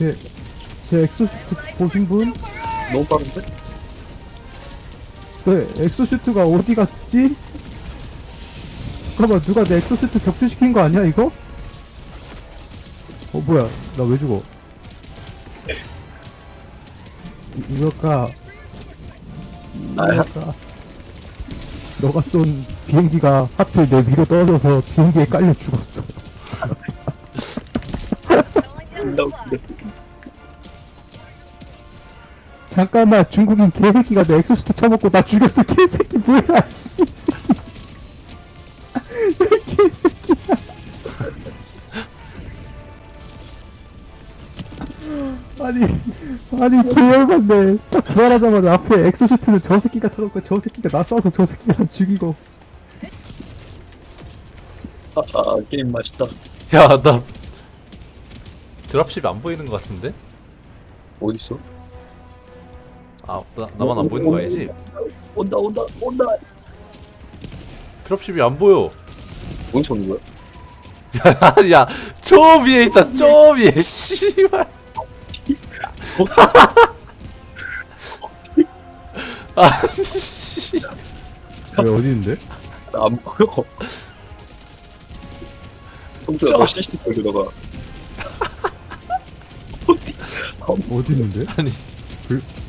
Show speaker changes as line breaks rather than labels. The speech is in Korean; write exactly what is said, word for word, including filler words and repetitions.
제, 제 엑소슈트 보신 분?
너무 빠른데?
네, 엑소슈트가 어디 갔지? 잠깐만, 누가 내 엑소슈트 격추시킨 거 아니야, 이거? 어, 뭐야, 나 왜 죽어? 이- 이거가, 이거가, 너가 쏜 비행기가 하필 내 위로 떨어져서 비행기에 깔려 죽었어.
존나 웃기네.
잠깐만, 중국인 개새끼가 내 엑소슈트 쳐먹고 나 죽였어. 개새끼 뭐야, 씨, 새끼. 개새끼야. 아니, 아니, 개열받네. 딱 부활하자마자 앞에 엑소슈트는 저 새끼가 타놓고 저 새끼가 나 쏴서 저 새끼가 나 죽이고.
아, 아, 게임 맛있다.
야, 나 드랍십이 안 보이는 것 같은데?
어딨어?
아, 나, 나만 안 보이는 거 아니지?
온다, 온다, 온다!
드랍십이 안 보여.
어디서 오는 거야?
야, 저 위에 있다, 저 위에, 씨발. 아니, 씨.
왜 어디 있는데?
나안 보여. 성주야, 너 시스템 들어가.
어디 있는데?
아니,
불,